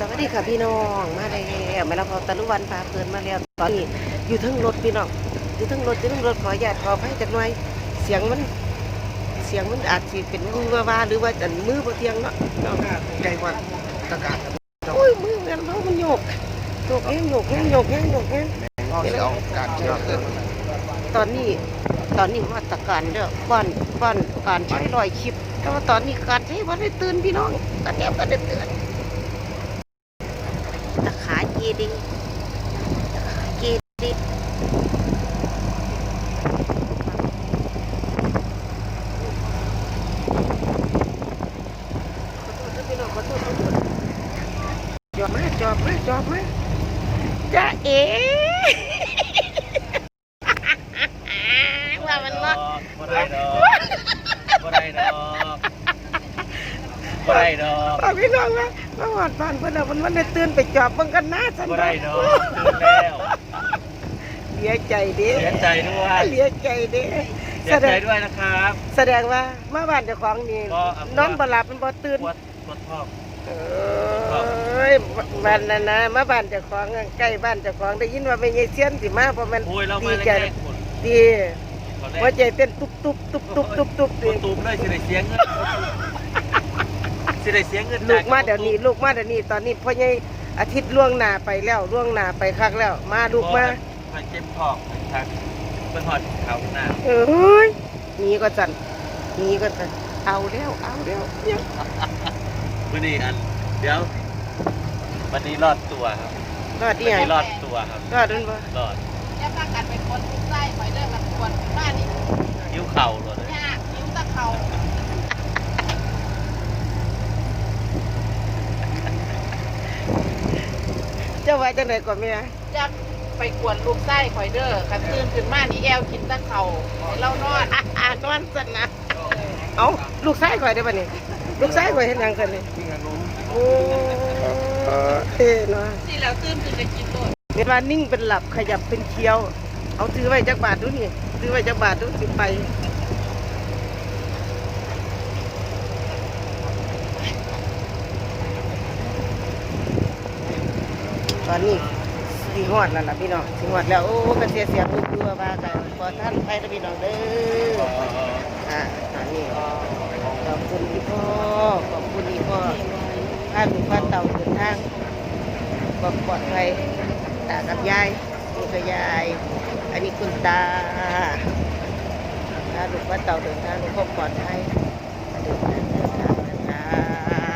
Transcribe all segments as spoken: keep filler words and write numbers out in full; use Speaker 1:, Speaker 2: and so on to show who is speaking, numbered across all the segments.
Speaker 1: วัสดีค่ะพี่น้องมาแล้วมาแล้วพอตะลุวันพาเพลินมาแล้วตอนนี้อยู่ทั้งรถพี่น้องอยู่ทั้งรถอยู่ทั้งรถขออนุญาตขอให้จักหน่อยเสียงมันเสียงมันอาจจะเป็นมือว่าหรือว่าจันมือบ่เทียงเนาะ
Speaker 2: ใหญ่กว่าตะการ
Speaker 1: โอ้ยมือมันเพราะมันโยกโยกแห้งโยกแห้งโยกแห้งโยกแห้ง
Speaker 2: เอาเสียงการเชื่อขึ้น
Speaker 1: ตอนนี้ตอนนี้มาตรการเด้อป้อนป้อนการใช้รอยคลิปแต่ว่าตอนนี้การใช้วันได้ตื่นพี่น้องตอนนี้ก็ได้ตื่นตะขาเจดีตะขาเจดีขอโทษขอโทษขอโทษจอบมาจอบมาจอบมาจ้าเอ๋ว่ามันว่า
Speaker 3: บ่ได้ดอกบ่ได้ดอกบ่ได้ดอก
Speaker 1: ป้าพี่น้องว่ามาหอดบ้านเพื่อนมันมันได้ตื่นไปจอบเบิ่งกันหน้าฉัน
Speaker 3: บ่ได้ดอกตื่นแล้ว
Speaker 1: เสียใจเด้
Speaker 3: เสียใจด้วย
Speaker 1: เสียใจเด้
Speaker 3: เสียใจด้วยนะครับ
Speaker 1: แสดงว่ามาบ้านเจ้าของนี่นอนบ่หลับมันบ่ตื่น
Speaker 3: ปวดปวดท้อง
Speaker 1: เอ้ยบ้านนั้นนะมาบ้านเจ้าของใกล้บ้านเจ้าของได้ยินว่าแม่ยายเสียนสิมาเพราะมันดีใจดีหัวใจเต้นตุ๊บตุ๊บตุ๊บตุ๊บตุ๊บตุ๊บ
Speaker 3: ตุ๊บเลยสิได้เสียเงินสิได้เสียเงิน
Speaker 1: ลูกมาเดี๋ยวนี้ลูกมาเดี๋ยวนี้ตอนนี้พ่อใหญ่อาทิตย์ล่วงหน้าไปแล้วล่วงหน้าไปคักแล้วมาลูกมา
Speaker 3: ไปเจ็บท้องทางเพิ่นฮอดเขาหน้า
Speaker 1: เอ้ยนี่ก็จันนี่ก็จันเอาแล้วเอาแล้ว
Speaker 3: มื้อนี้อันเดี๋ยววันนี้รอดตัวครับ
Speaker 1: รอดดิ
Speaker 3: วันนี้รอดตัวครับ
Speaker 1: รอดด้วยบ่
Speaker 3: รอด
Speaker 4: จะพากันไปคนทุกไส้ไปเด้อกันปวดบ้านนี่
Speaker 3: ยิ้วเข่าเลย
Speaker 4: ยากยิ้วตะเข่า
Speaker 1: เจ้าว่าจังได๋ก่อนแม่
Speaker 4: จะไปกวนลูกไส้ข่อยเด้อคันตื่นขึ้นมานี่แอวกินตะเข่าให้เรานอน
Speaker 1: อ่านอนซั่นนะเอ้าลูกชายข่อยได้บ่นี่ลูกชายข่อยเฮ็ดหยังกันนี่โอ้เท่เนาะ
Speaker 4: สิแล้วตื่นขึ้นจะกินโลด
Speaker 1: เวลานิ่งเป็นหลับขยับเป็นเคี้ยวเอาถือไว้จักบาทดูนี่ถือไว้จักบาทดูสิไปตอนนี้สีหอดแล้วล่ะพี่น้องสีหอดแล้วโอ้กระเสียเสียมือคือว่ากันขอท่านไปนะพี่น้องเด้ออ่าตอนนี้ขอบคุณพี่พ่อขอบคุณพี่พ่อพาลูกพาเต่าเดินทางความปลอดภัยตากับยายนี่ก็ยายอันนี้คุณตาพาลูกพาเต่าเดินทางความปลอดภัยเดินทางเดินทางเดินทาง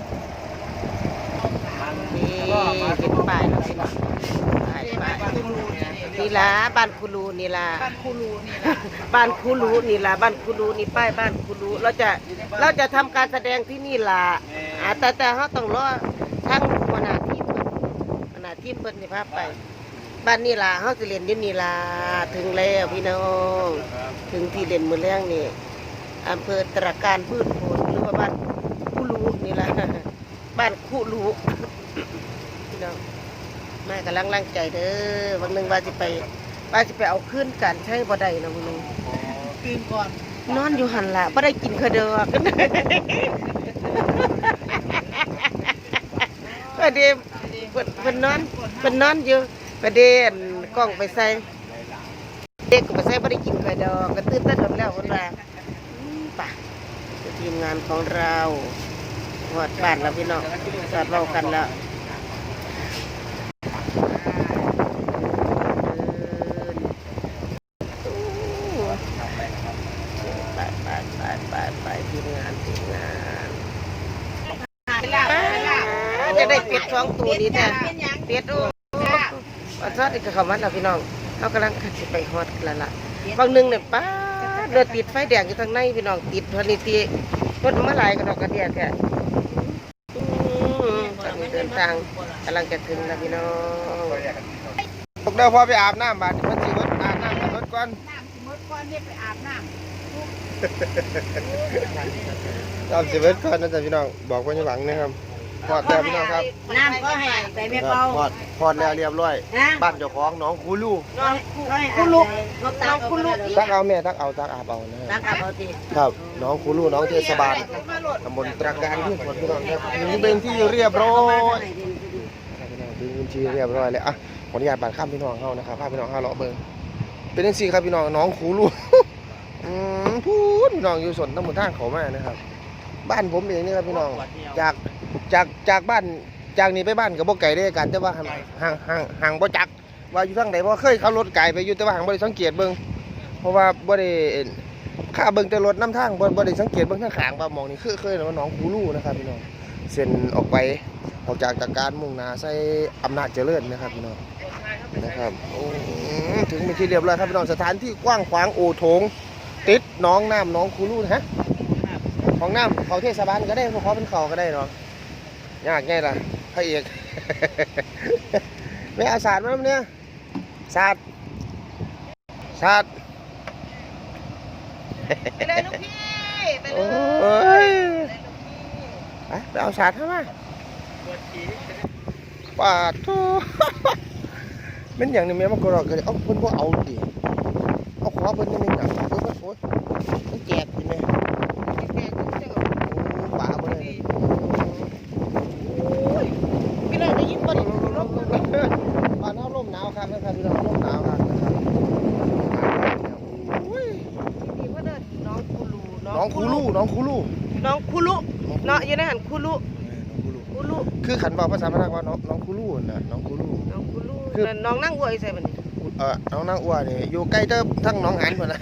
Speaker 1: นี่เป็นป้ายแล้วพี่น้องป้ายป้ายนี่ล่ะบ้านคูรูนี่ล่ะ
Speaker 4: บ้านคูรูนี่ล่ะ
Speaker 1: บ้านคูรูนี่ล่ะบ้านคูรูนี่ป้ายบ้านคูรูเราจะเราจะทำการแสดงที่นี่ล่ะแต่แต่เขาต้องรอทั้งหัวหน้าทีมหัวหน้าทีมเพิ่นสิพาไปบ้านนี่ล่ะเขาสิเล่นอยู่นี่ล่ะถึงแล้วพี่น้องถึงที่เล่นมื้อแรงนี่อำเภอตระการพืชผลหรือว่าบ้านคูรูนี่ล่ะบ้านคูรูพี่น้องแม่กำลังร่างใจเด้อวันหนึ่งว่าจะไปว่าจะไปเอาขึ้นกันใช้บ่ได้นะวันนึง
Speaker 4: ตื่นก่อน
Speaker 1: นอนอยู่หันละบ่ได้กินขะเดอกประเดี๋ยวเป็นนอนเป็นนอนอยู่ประเดี๋ยวกล้องไปใส่เด็กก็ไปใส่บ่ได้กินขะเดอกก็ตื่นเต้นหมดแล้วคนละป่ะทีมงานของเราหอดบ้านแล้วพี่น้องจอดเว้ากันแล้วจะได้เป็ดท้องตัวนี้แต่เป็ดโอ้อันซอดอีกกับเขามันเราพี่น้องเขากำลังขัดไปฮอดแล้วล่ะบางนึงเนี่ยป้าเดือดติดไฟแดงอยู่ทางในพี่น้องติดพอดีตีรถมาหลายกระดอกกระเดียแค่ตอนนี้เดินทางกำลังจะถึงแล้วพี่น้อง
Speaker 2: พวกเดิมพอไปอาบน้ำบาดมันสิวัดอาบน้ำวัดก่อน
Speaker 4: น้ำสิมดก่อนเนี่ยไปอาบน้ำ
Speaker 2: น้ำสิวัดก่อนนะจ๊ะพี่น้องบอกว่าอย่าหวังนะครับพอดแล้วพี่น้องครับ
Speaker 4: น้ำก็ให้ไปแม่เปา
Speaker 2: พอดพอดแล้วเรียบร้อยบ้านเจ้าของน้องคูลู
Speaker 1: น้องคูลูน้องคูลู
Speaker 2: ตักเอาแม่ตักเอาตักอาบเอานะ
Speaker 4: ตักอาบเอาที
Speaker 2: ครับน้องคูลูน้องเทศบาลตำบลตระการพืชผลพี่น้องครับนี่เป็นที่เรียบร้อยที่เรียบร้อยแล้วอ่ะขออนุญาตบาดข้ามพี่น้องเฮานะครับพาพี่น้องเฮาเลาะเบิ่งเป็นจังซี่ครับพี่น้องน้องคูลูอืมพูดพี่น้องอยู่สนตำบลทางเขามานะครับบ้านผมเองนี่ครับพี่น้องจากจากจากบ้านจากนี้ไปบ้านก็บ่ไกลได้กันแต่ว่าห่างห่างห่างห่างบ่จักว่าอยู่ทางใดบ่เคยขับรถไกลไปอยู่แต่ว่าห่างบ่ได้สังเกตเบิ่งเพราะว่าบ่ได้ข้าเบิ่งแต่รถนำทางบ่บ่ได้สังเกตเบิ่งทางข้างว่ามองนี่คือเคยว่าน้องคูลูนะครับพี่น้องเส้นออกไปออกจากจากการมุ่งหน้าใส่อำนาจเจริญนะครับพี่น้องนะครับโอ้ถึงเป็นที่เรียบร้อยครับพี่น้องสถานที่กว้างขวางโอโถงติดน้องน้ำน้องคูลูนะฮะของน้ำเขาเทศบาลก็ได้เพราะเขาเป็นเขาก็ได้เนาะยากไงล่ะพระเอก ไม่เอาศาสตร์มาเนี่ยศาสตร์ศาสตร์
Speaker 1: ไปเลยลูกพี่ไปเล
Speaker 2: โอ้
Speaker 1: ย
Speaker 2: ยไปไปเอาศาสตร์เข้ามาปาดทูเป็นอย่างนี้แม่มากรอกเลยเอาเพิ่นบ่เอาดิเอาขอเพิ่นนี่มันหยังเพิ่นโอ๊ยมันแจกสิแม่ป่าบ่ได้
Speaker 1: พี่น้องได้ยินบ่นี่ลม
Speaker 2: บ้านเฮาลมหนาวครับนะครับพี่น้องลมหนาวครับนะครับโอ้ย
Speaker 1: นี่เพิ่นเอิ้นน้องคูลู
Speaker 2: น้องคูลูน้องคูลู
Speaker 1: น้องคูลูเนาะอยู่ในหันคูลูคูลู
Speaker 2: คือขันบอกภาษาพนักว่าน้องน้องคูลูน่ะน้องคูลู
Speaker 1: น้องคูลู
Speaker 2: คือ
Speaker 1: นั่นน้องนั่งอวยใส่บัดนี้
Speaker 2: เออน้องนางอ้วนนี่อยู่ใกล้เติบทั้งน้องหานพุ่นน่ะ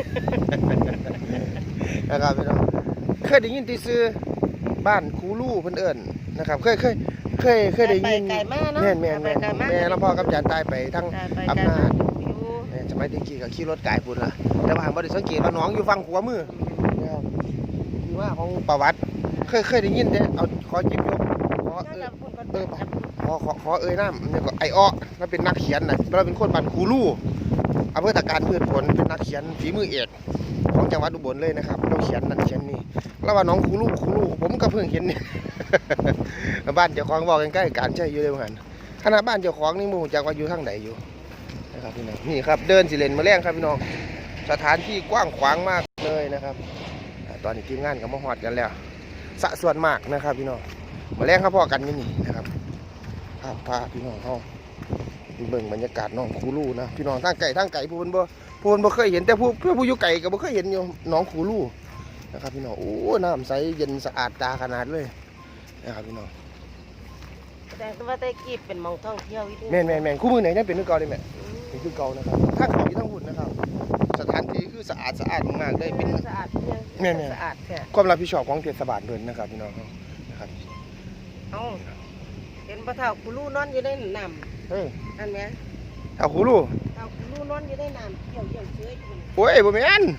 Speaker 2: นะครับพี่น้องเคยได้ยินที่ซื้อบ้านคูลูเพิ่นเอิ้นนะครับเคยเคยเคยเคยได้ยิน
Speaker 1: ไกลมาเนาะ
Speaker 2: แม่นแม่นแม่นแม่ลำพ่อกับจานใต้ไปทั้ง
Speaker 1: ไปไกล
Speaker 2: อำนาจ
Speaker 1: อยู่
Speaker 2: แม่สมัยตะกี้ก็ขี่รถไกลพุ่นล่ะแต่ว่าบ่ได้สังเกตว่าน้องอยู่ฝั่งขวามือนะครับที่ว่าของประวัติเคยเคยได้ยินแต่เอาขอจิบยกขอเออ เออไปขอขอขอเอ่ยน้ำเนี่ยก็ไออ้อเราเป็นนักเขียนนะเราเป็นคนบ้านคูลู่อำเภอตะการพืชผลเป็นนักเขียนฝีมือเอกของจังหวัดอุบลเลยนะครับเราเขียนนั่นเขียนนี่แล้วว่าน้องคูลู่คูลู่ผมก็เพิ่งเห็นนี่ บ้านเจ้าของบอกใกล้ๆการใช่อยู่เลยเหมือนกันขณะบ้านเจ้าของนี่หมู่จากว่าอยู่ทางไหนอยู่นะครับพี่น้องนี่ครับเดินสิเลนมาแรงครับพี่น้องสถานที่กว้างขวางมากเลยนะครับตอนนี้ทีมงานก็มาฮอดกันแล้วสะส่วนมากนะครับพี่น้องมาแรงครับพ่อกันนี่นี่นะครับพาพาพี่น้องเขาเบิ่งบรรยากาศน้องคูลู่นะพี่น้องทางไก่ทางไก่ผู้คนบ่ผู้คนบ่เคยเห็นแต่ผู้เพื่อผู้อยู่ไก่ก็บ่เคยเห็นอยู่น้องคูลู่นะครับพี่น้องโอ้น้ำใสเย็นสะอาดตาขนาดเลยนะครับพี่น้อง
Speaker 1: แต่ว่าแต่กี้เป็นหมองท่องเที่ยวอีก
Speaker 2: แม่นแม่นแม่นคู่มือไหนนั่นเป็นคือเก่าเลยแม่เป็นคือเก่านะครับทางเขาที่ทั้งหุ่นนะครับ สถานที่คือสะอาดสะอาดมากๆเลยเป็น
Speaker 1: สะอาดเพียง
Speaker 2: แม่นๆ
Speaker 1: สะอาดแท้
Speaker 2: ความรับผิดชอบของเทศบาลด้วยนะครับพี่น้องนะครับ
Speaker 1: เอ้าเห็นปลาเท่าคูลูนอนอยู่ในน้
Speaker 2: เฮ้ย
Speaker 1: ำนั่นไหม
Speaker 2: เอาคูลู่
Speaker 1: เท่าคูลูนอนอยู่ในน้ำเกี่ยวเกี่ยวเชื้ออยู่
Speaker 2: โอ้ยบ่แม่น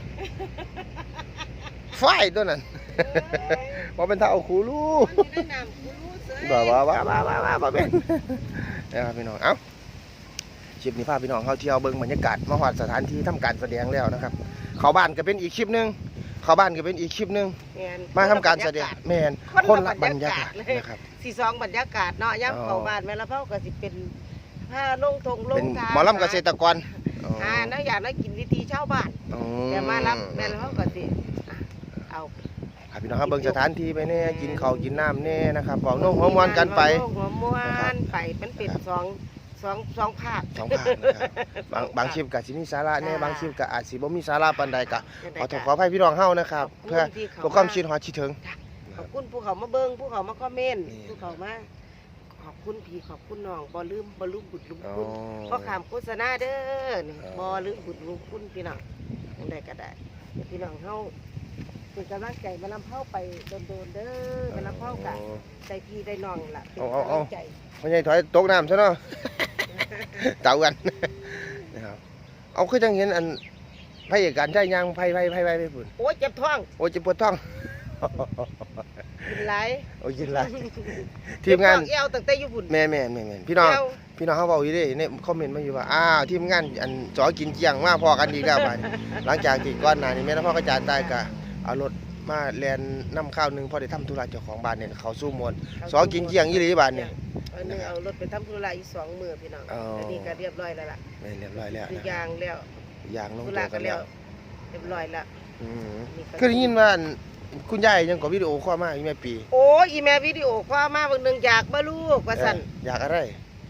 Speaker 2: ไฟตัวนั้น บ่เป็นเท่าคูลู่
Speaker 1: นอนอยู่ในน้ำคูลูเชื้อ
Speaker 2: บ้าบ้าบ้าบ้าบ้าบ้าบ่เป็นนะครับพี่น้องเอ้าคลิปนี้พาพี่น้องเข้าเที่ยวเบิ่งบรรยากาศมาฮอดสถานที่ทำการแสดงแล้วนะครับเข้าบ้านก็เป็นอีกคลิปหนึงเข้าบ้านก็เป็นอีกคลิปหนึง
Speaker 1: แม่น
Speaker 2: มาทำการแสดงแม่น
Speaker 1: คน
Speaker 2: คน
Speaker 1: ละ
Speaker 2: ละ
Speaker 1: บบ ร
Speaker 2: ร
Speaker 1: รยายาก
Speaker 2: รากา
Speaker 1: ศ
Speaker 2: ศ
Speaker 1: เลย
Speaker 2: นะครับ
Speaker 1: สี่สองบรรยากาศเนาะย่ำเข้าบ้านแม่ละเผาก็สิเป็นผ้าลงทงล
Speaker 2: เป็
Speaker 1: ง
Speaker 2: น
Speaker 1: ทาง
Speaker 2: หมอลำเกษตรกร
Speaker 1: อ่านักอยากนักกินวิธีชาวบ้าน
Speaker 2: อ๋อ
Speaker 1: แต่มารับแม่ละเผาก็สิอ่ะเอา
Speaker 2: ครับพี่น้องครับเบิ่งสถานที่ไปแน่กินข้าวกินน้ำแน่นะครับบอกน้องหัวมวนกันไป
Speaker 1: หัวมวนไปมันเป็นสองสองสองภาค
Speaker 2: สองภาคนะครับบางบางคลิปกับสิมีสาระแน่บางคลิปกับอาจสิบ่มีสาระปานใดกะขอโทษขออภัยพี่น้องเฮานะครับ เพื่อเพื่อความชิดฮอดชิดถึง
Speaker 1: ขอบคุณผู้เขามาเบิ้งผู้เขามาคอมเมนต์
Speaker 2: นี่
Speaker 1: ผู้เขามาขอบคุณพี่ขอบคุณน้องบ่ลืมบ่ลืมบุญลืม
Speaker 2: อ๋อ
Speaker 1: คุณเพราะขามโฆษณาเด้อนี่
Speaker 2: อ๋อ
Speaker 1: บ่ลืมบุญลืมคุณพี่น้องจังไดก็ได้เดี๋ยวพี่น้องเฮาเป็นกำลังใจมาลำเผาไปโดนๆเด้อมาลำเผากะใจพี่ได้น้องล่ะเป็นกำลังใจ
Speaker 2: ไม่ใช่ถอยตกน้ำซะเนาะ เต่ากันนะครับเอาคือจังเห็นอันพระเอกการใช้ยางไผไผไผไผไปพุ่น
Speaker 1: โอ้ยเจ็บท้อง
Speaker 2: โอ้ยเจ็บปวดท้อง
Speaker 1: กินหลาย
Speaker 2: โอ้ยกินไรทีมงาน
Speaker 1: เจ็บท้อเอวตั้งแต่อยู่พุ่น
Speaker 2: แม่แม่แม่แม่พี่น้อง
Speaker 1: เอว
Speaker 2: พี่น้องเขาบอกอยู่เดิในคอมเมนต์มาอยู่ว่าอ้าวทีมงานอันจอกินเจียงมาพอกันอีกแล้วบัดนี้ หลังจากที่ก่อนหน้านี้แม่นพ่อกระจายตายกะเอารถมาแลนน้ำข้าวหนึงพอได้ทำธุระเจ้าของบ้านเนี่ยเขาสู้มวลสอกินเจียงยี่หลีบ้านเนี่ย
Speaker 1: เอาหนึ่งเอารถไปทำธุระอีกสองมื้อพี่น้อง
Speaker 2: อ๋อ
Speaker 1: อันนี้ก็เรียบร้อยแล้วล่ะ
Speaker 2: แม่นเรียบร้อยแล้ว
Speaker 1: คือ
Speaker 2: นะ
Speaker 1: ยางแล้ว
Speaker 2: ยางลง
Speaker 1: ธุ
Speaker 2: ตั
Speaker 1: ระ
Speaker 2: ว
Speaker 1: ก็
Speaker 2: กัน
Speaker 1: แล้
Speaker 2: แล้ว ว
Speaker 1: เรียบร้อยแล้ว
Speaker 2: อืม
Speaker 1: นี่ก็
Speaker 2: คือได้ยินว่าอันคุณยายยังก็วิดีโอคอลมาอีกแม่ปี
Speaker 1: โอ้ยอีแม่วิดีโอคอลมาเบางหนึงอยากบ่ลูกว่าซั่น
Speaker 2: เอออยากอะไร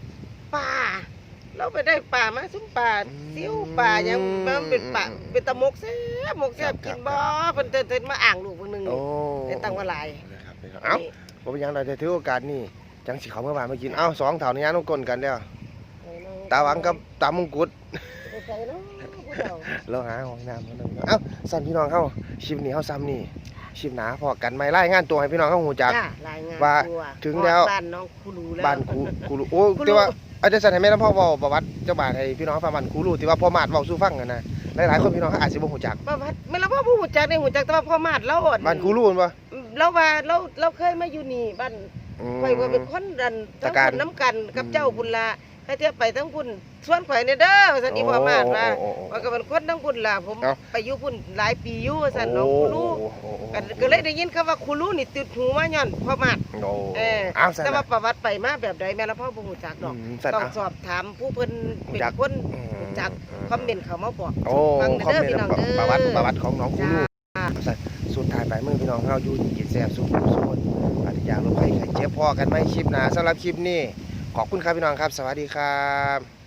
Speaker 1: ปลาเราไปได้ปลามาซุ้มปลาซิ้วปลายังมันเป็นปลาเป็นตะมกแซ่บมกแซ่บกินบ่เพิ่นเทินๆมาอ่างลูกเพิ่นนึง
Speaker 2: โอ้
Speaker 1: ได้ตั้งว่าหลาย
Speaker 2: นะครับเอ้าบ่เป็นหยังเราจะถือโอกาสนี้จังสิเขาเมื่อวานมากินเอ้าสองเท่านี้น้องกลนกันแล้วตาหวังกับตามงกุฎ
Speaker 1: ไปใส่เนาะผู้เฒ่า
Speaker 2: เราหาห้องน้ำมานึงเอ้าสั่นพี่น้องเฮาชิมนี่เฮาซ้ำนี่ชิมหนาพอกันไม่รายงานตัวให้พี่น้องเฮาฮู้จัก
Speaker 1: จ้ารายงาน
Speaker 2: ว่า
Speaker 1: ตัว
Speaker 2: ถึงแล้ว
Speaker 1: บ้านน้องครูรู้แล้ว
Speaker 2: บ้านครูครูรู้โอ้แต่ว่าอาจารย์สันให้แม่ลำพ่อเว้าประวัติเจ้าบ้านให้พี่น้องฟังบ้านครูรู้ที่ว่าพ่อมาดเว้าสู่ฟังกันนะหลายๆคนพี่น้องเขาอาจสิบ่ฮู้จัก
Speaker 1: บ่ว่าแม่นละพ่อผู้ฮู้จักได้ฮู้จักแต่ว่าพ่อมาดเราอ่อน
Speaker 2: บ้านครูรู้แม่นบ่
Speaker 1: เราว่าเราเราเคยมาอยู่นี่บ้าน
Speaker 2: อืม
Speaker 1: ข่อยว่าเป็นคนดัน
Speaker 2: ตะ
Speaker 1: ทั้ง
Speaker 2: การ
Speaker 1: คนน้ำกันกับ
Speaker 2: อืม
Speaker 1: เจ้าบุญละให้เทียบไปทั้งคุณชวนข่อยในเด้อว่าซั่นอีพ่อมาดว่า
Speaker 2: โอ้โอ้โอ้
Speaker 1: ว่าก็เป็นคนทั้งคุณล่ะผม
Speaker 2: เอ้า
Speaker 1: ไปอยู่พุ่นหลายปีอยู่ว่าซั่นน้องครูรู้
Speaker 2: โอ้โอ้โอ้โอ้
Speaker 1: ก็ก็เลยได้ยินคำว่าครูรู้นี่ติดหูมาย้อนพ่อมาด
Speaker 2: โอ้
Speaker 1: เออ
Speaker 2: อ้าวสั่น
Speaker 1: แต่ว่า
Speaker 2: น่ะ
Speaker 1: ประวัติไปมาแบบใดแม่ละพ่อบ่ฮู้จักดอก
Speaker 2: อืมสั่น
Speaker 1: ต้อง
Speaker 2: อ่ะ
Speaker 1: สอบถามผู้เพิ่นเป็น
Speaker 2: รู้จัก
Speaker 1: คน
Speaker 2: อืม
Speaker 1: รู้จัก
Speaker 2: อืม
Speaker 1: คอมเมนต์เขามาบอก
Speaker 2: โอ้
Speaker 1: ฟัง
Speaker 2: คอม
Speaker 1: เด้อ
Speaker 2: เมน
Speaker 1: พี่
Speaker 2: ต์
Speaker 1: น้องเด้อ
Speaker 2: ประวัติประวัติของน้องครู
Speaker 1: จ้า
Speaker 2: รู้สั่นสุดท้ายปลายมือพี่น้องเฮาอยู่กินแซ่บสุขสุขปฏิญาณลงไปไข่เจ็บพอกันไหมคลิปหน้าสำหรับคลิปนี้ขอบคุณครับพี่น้องครับ สวัสดีครับ